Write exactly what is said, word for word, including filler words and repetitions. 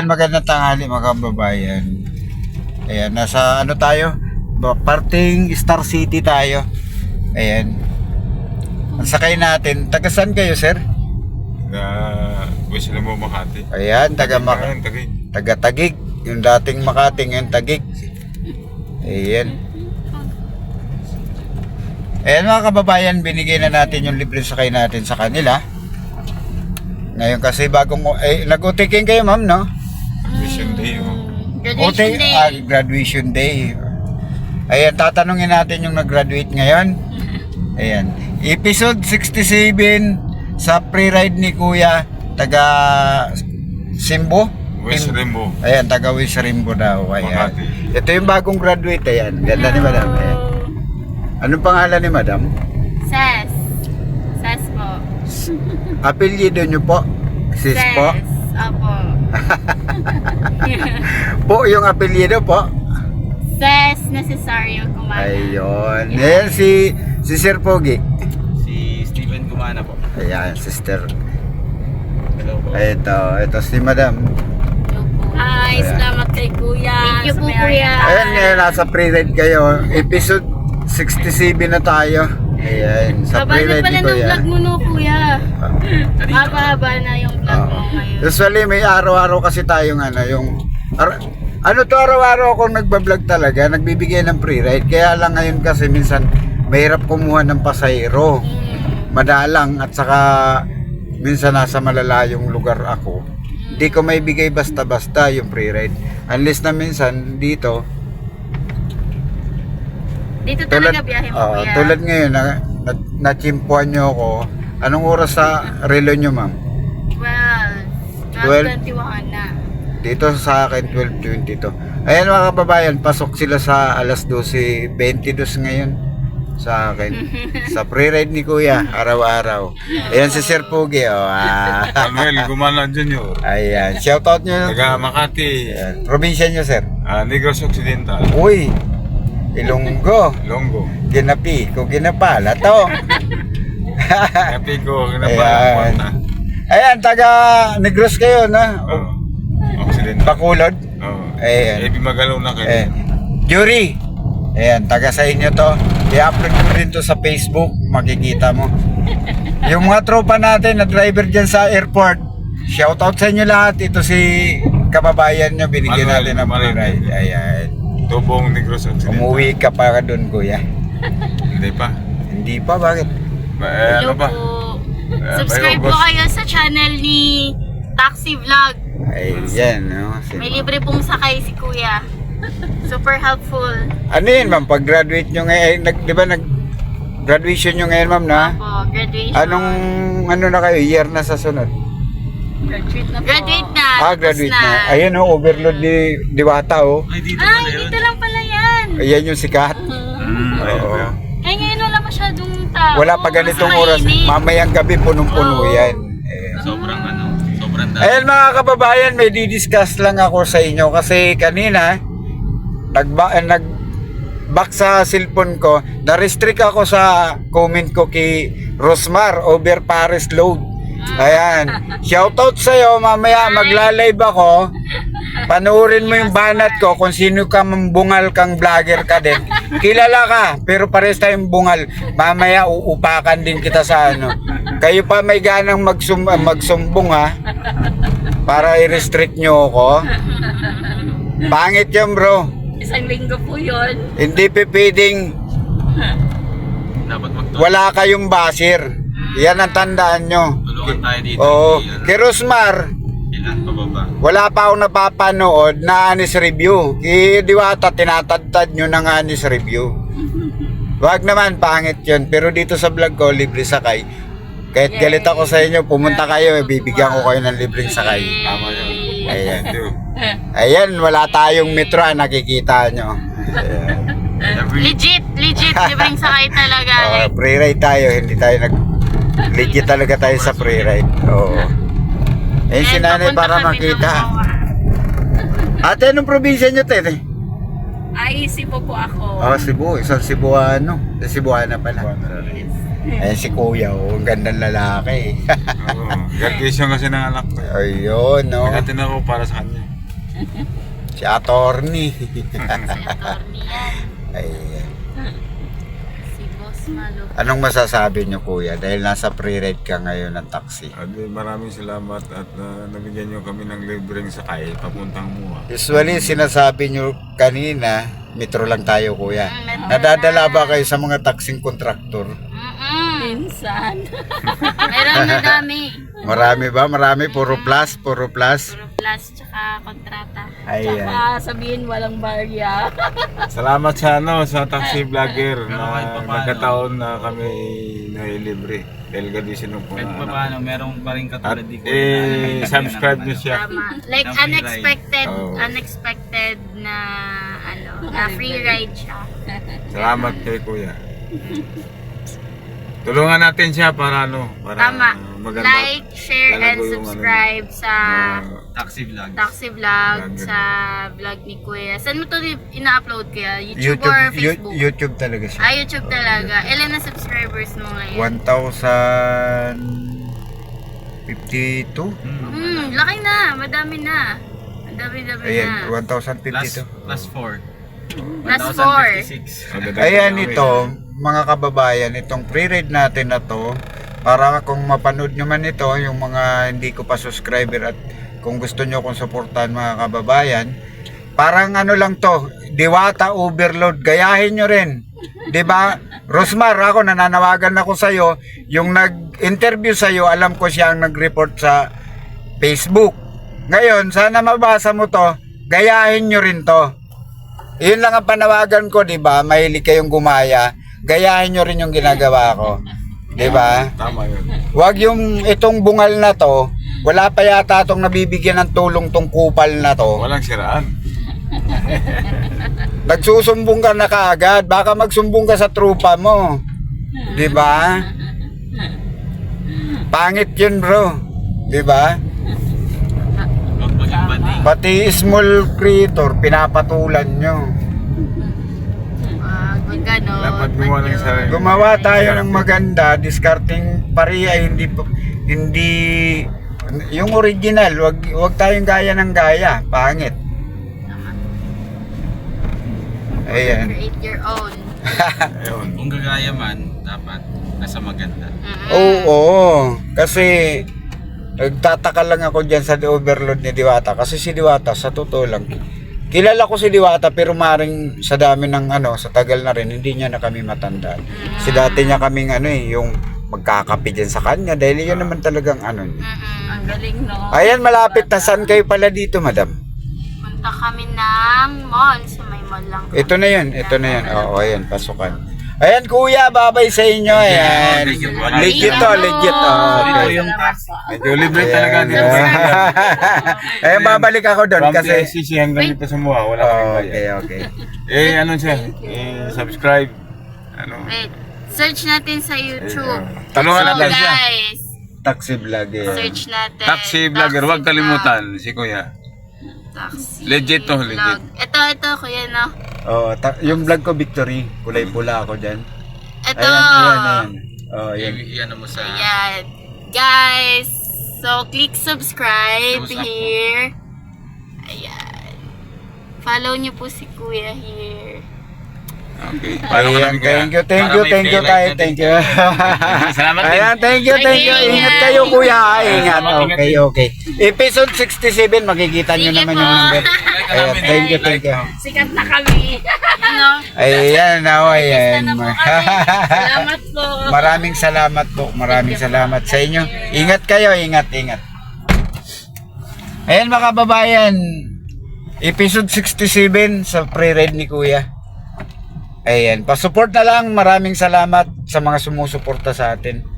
magandang tanghali mga kababayan. Ayan, nasa ano tayo? Ba- Parting Star City tayo. Ayan. Ang sakay natin, taga saan kayo, sir? Na gusto na mo Makati. Ayan, taga Mak- Ayun, Taguig. taga Taguig. Yung dating Makati, ngayon Taguig. Ayan. Ayan mga kababayan, binigay na natin yung libre sakay natin sa kanila. Ngayon kasi bagong, eh, nag-utiking kayo ma'am, no? Vision Day. Oh. Graduation Uti- day. ah, graduation day. Ayan, tatanungin natin yung nag-graduate ngayon. Ayan. Episode sixty-seven sa pre-ride ni Kuya, taga Simbo. West Im- Rimbo. Ayan, taga West Rimbo daw. Ayan. Makati. Ito yung bagong graduate. Ayan. Ganda ni Madam. Ayan. Anong pangalan ni Madam? Ses. Ses po. Apelyido nyo po? Sis Ses. po? Opo. Po yung apelyido po? Ses Necesario Kumana. Ayun. Ayan si, si Sir Pogi. Si Steven Gumana po. Ayan, sister. Hello po. Ito, ito si Madam. Hi, Ayan. salamat kay Kuya. Thank you sa po, may Kuya. ari. Ayan, ngayon nasa pre-ride kayo. Episode sixty-seven na tayo. Ayan, sa Haba na pre-ride pala ni ng Kuya. vlog mo no, Kuya. Haba-haba na yung vlog mo Oo. ngayon. Usually may araw-araw kasi tayong ano, yung ar- ano to araw-araw akong nagbablog talaga, nagbibigay ng pre-ride. Kaya lang ngayon kasi minsan mahirap kumuha ng pasahero. Madalang at saka minsan nasa malalayong lugar ako. Hindi ko may bigay basta-basta yung pre-ride. Unless na minsan dito, Dito tulad, talaga biyahe mo, oo, Kuya. tulad ngayon, na, na, nachimpuan nyo ako. Anong oras sa relo nyo, ma'am? Well, Twelve. twelve twenty-one na. Dito sa akin, twelve twenty-two. Ayan mga kababayan, pasok sila sa alas twelve twenty-two ngayon sa akin. Sa pre-ride ni Kuya, araw-araw. Ayan si Sir Pugi, oh. Ah. Manuel Gumana Junior Ayan, shoutout nyo. Taga Makati. Ayan. Probinsya nyo, sir. Ah, Negros Occidental. Uy, Ilonggo. Longo. Ginapi ko, ginapala to. Happy ko. Ayan. Kinapala. Ayan, taga Negros kayo, na? Oh. Occidental. Bakulod. Oh. Ayan. Eh, Bimagalaw na kayo. Eh, Jury. Ayan, taga sa inyo to. I-upload ko rin to sa Facebook. Makikita mo. Yung mga tropa natin na driver dyan sa airport. Shoutout sa inyo lahat. Ito si kababayan nyo. Binigyan Manuel, natin ng free Manuel. ride. Ayan. Tubong Negros Occidental. Umuwi ka pa doon, kuya. Hindi pa. Hindi pa, bakit? Ba, eh, Hello ano ba? po. Eh, Subscribe may po August. kayo sa channel ni Taxi Vlog. Ayan, no? May libre pong sakay si Kuya. Super helpful. Ano yun, ma'am? Pag-graduate nyo ngayon, nag, di ba nag graduation nyo ngayon, ma'am, na? Opo, graduation. Anong, ano na kayo, year na sa sunod? Graduate na po. Graduate na. Ah, tapos graduate na. Ayan, oh, overload ni Diwata, oh. Ay, dito Ay, pala yun. dito lang pala yan. Ayan yung sikat. Hmm, ayun Oo. ba? Ay, ngayon wala masyadong tao. Wala pa ganitong Mas oras. mainit. Mamayang gabi, punong-puno Oo. yan. Ayan. Sobrang ano, sobrang dami. Ayan mga kababayan, may didiscuss lang ako sa inyo kasi kanina nagba eh, nag back sa cellphone ko, na-restrict ako sa comment ko kay Rosmar over Paris load. Ayan. Shoutout sa iyo, mamaya magla-live ako. Panoorin mo yung banat ko kung sino ka mambungal kang vlogger ka din. Kilala ka, pero pares tayong bungal. Mamaya uupakan din kita sa ano. Kayo pa may ganang magsum magsumbong ha. Para i-restrict nyo ako. Pangit yan bro. Isang linggo po yun. Hindi pipiding Dapat magtulungan wala kayong basir. Yan ang tandaan nyo. tayo dito. Oo. Ilan- Kay Rosmar, Ilan pababa? wala pa akong napapanood na honest review. Kay Diwata, tinatadtad nyo ng honest review. Wag naman, pangit yun. Pero dito sa vlog ko, libre sakay. Kahit galit ako sa inyo, pumunta kayo, bibigyan ko kayo ng libreng sakay. Tama yun. Ayan. Thank you. Ayan, wala tayong metro, ah, nakikita nyo. Ayan. Every Legit, legit. Libreng sakay talaga. Oh, Like, pre-ride tayo, hindi tayo nag... Legit talaga tayo sa pre-ride. Oo. Ayun si and nanay papunta para kami ng makita. Bawa. Ate, anong probinsya nyo, tete? Ay, Cebu po ako. Oh, Cebu. Isang Cebuano. Cebuana pala. Ayan si Kuya, oh. Ang gandang lalaki. Oo. Graduation kasi ng anak ko. Ayun, no? Nagatin ako para sa kanya. Si attorney. Si attorney yan. Ayan. Si Boss Malo. Anong masasabi nyo kuya? Dahil nasa pre-ride ka ngayon ng taxi. At maraming salamat at uh, nabigyan nyo kami ng libreng sakay papuntang Mua. Usually, sinasabi nyo kanina, metro lang tayo kuya. Mm, metro Nadadala ba kayo sa mga taxing kontraktor? Mm-mm. Minsan. Meron na dami. Marami ba? Marami? Puro plus? Puro plus? Puro plus tsaka kontrata. Ayan. Tsaka sabihin walang barya. Salamat sa ano sa taxi vlogger Pero na kahit papaano. nagkataon na kami nailibre dahil gadisino po Kahit na pa anak. paano, merong pa rin At katulad di ko. eh, subscribe nyo siya. Tama. Like Ng free unexpected, ride. Oh. unexpected na ano, na free ride siya. Salamat kay kuya. Tulungan natin siya para ano, para Tama. maganda. Like, share, and lalago yung subscribe sa Uh, Taxi vlog. Taxi Vlog, Vlog. sa vlog ni Kuya. Saan mo to ina-upload kaya? YouTube, YouTube, or Yu- Facebook? YouTube talaga siya. Ah, YouTube talaga. Ilan na subscribers mo ngayon? one thousand fifty-two? Hmm, laki na. Madami na. Madami-dami Ayan, na. one thousand Plus, fifty-two. plus four. Plus four. Ayan ito, mga kababayan, itong pre-read natin na to, para kung mapanood nyo man ito, yung mga hindi ko pa subscriber at kung gusto nyo kong suportahan mga kababayan, parang ano lang to, Diwata Overload, gayahin nyo rin. 'Di ba? Rosmar, ako nananawagan ako sa iyo, yung nag-interview sa iyo, alam ko siya ang nag-report sa Facebook. Ngayon, sana mabasa mo to, gayahin nyo rin to. Yun lang ang panawagan ko, 'di ba? Mahilig kayong gumaya, gayahin nyo rin yung ginagawa ko. 'Di ba? Tama yun. Huwag yung itong bungal na to, wala pa yata itong nabibigyan ng tulong tong kupal na to. Walang siraan. Nagsusumbong ka na kaagad, baka magsumbong ka sa trupa mo. 'Di ba? Pangit 'yun, bro. 'Di ba? Huwag maging bading. Pati small creator pinapatulan nyo. Wag, wag ganon. Dapat gumawa ng Wag sarili. yun. Gumawa tayo ng maganda, discarding pariya, hindi hindi yung original, wag wag tayong gaya ng gaya, pangit. Ayan. Create your own. Ayun. Kung gagaya man, dapat nasa maganda. Mm-mm. Oo, kasi nagtataka lang ako diyan sa overload ni Diwata kasi si Diwata sa totoo lang kilala ko si Diwata pero maring sa dami ng ano sa tagal na rin hindi niya na kami matandaan. Si dati niya kaming ano eh yung magkakape dyan sa kanya dahil yun naman talagang ano niya. Mm-mm. Ang galing, no? Ayan, malapit na. Saan kayo pala dito, madam? Punta kami ng mall. Sa may mall lang. Ito na yun, ito na yun. Oo, ayan, pasukan. Ayan, kuya, babay sa inyo. Ayan. Thank you po. Legit to, legit to. Salamat Okay. po. Medyo libre talaga dito. Ayan, babalik ako doon From kasi... P S C C hanggang dito sa Mua, wala Oh, kaming okay, bayad. okay. Eh, ano siya? Eh, subscribe. Ano? Wait. Search natin sa YouTube. Tulungan So natin siya. guys, Taxi vlog, eh. search natin. Taxi vlogger, huwag Vlog. kalimutan si Kuya. Taxi Legit to, vlog. legit. Ito, ito, kuya, no? Oh, ta- yung vlog ko, Victory. Kulay pula ako dyan. Ito. Ayan, ayan, ayan. Oh, ayan. I- Iyan mo sa... Ayan. Guys, so click subscribe Thumbs up. here. Ayan. Follow nyo po si Kuya here. Okay. Paano ka Ayan, namin thank you, thank Para you, may thank you, paylight tayo, na thank din. you. Salamat din. Ayan, thank you, thank you. Okay, Ingat ingat. kayo, kuya. ha? Ingat. Ingat Okay, din. okay. Episode sixty-seven, makikita nyo Sige naman po. yung number. Ayan, thank you, thank you. Sikat na kami. Ano? Ayan, now, ayan. na po kami. Salamat po. Maraming salamat po. Maraming salamat sa inyo. Ingat kayo, ingat, ingat. Ayan, mga kababayan. Episode sixty-seven sa pre-read ni Kuya. Ayan, pasupport na lang. Maraming salamat sa mga sumusuporta sa atin.